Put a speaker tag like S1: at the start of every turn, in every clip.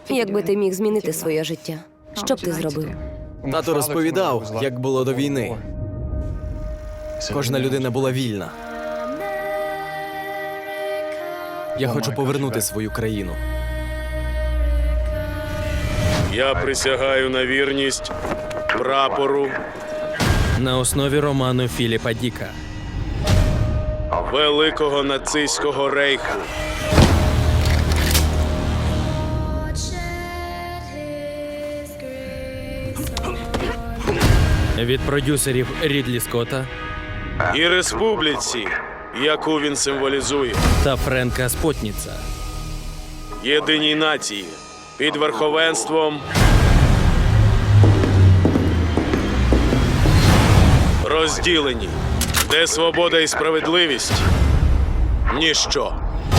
S1: Якби ти міг змінити своє життя, що б ти зробив?
S2: Тато розповідав, як було до війни. Кожна людина була вільна. Я хочу повернути свою країну.
S3: Я присягаю на вірність прапору
S4: На основі роману Філіпа Діка.
S3: Великого нацистського рейху.
S4: Від продюсерів Рідлі Скотта
S3: І республіці, яку він символізує.
S4: та Френка Спотніца.
S3: Єдиній нації під верховенством розділені, де свобода і справедливість – ніщо.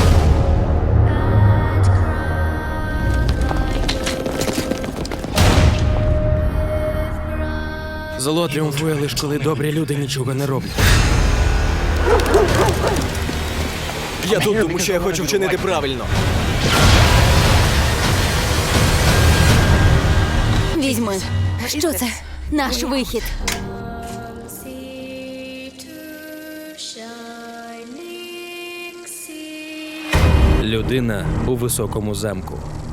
S4: Зло тріумфує лише коли добрі люди нічого не роблять.
S2: Я тут, тому що я хочу вчинити правильно.
S1: Візьми. Що це? Наш вихід.
S4: Людина у високому замку.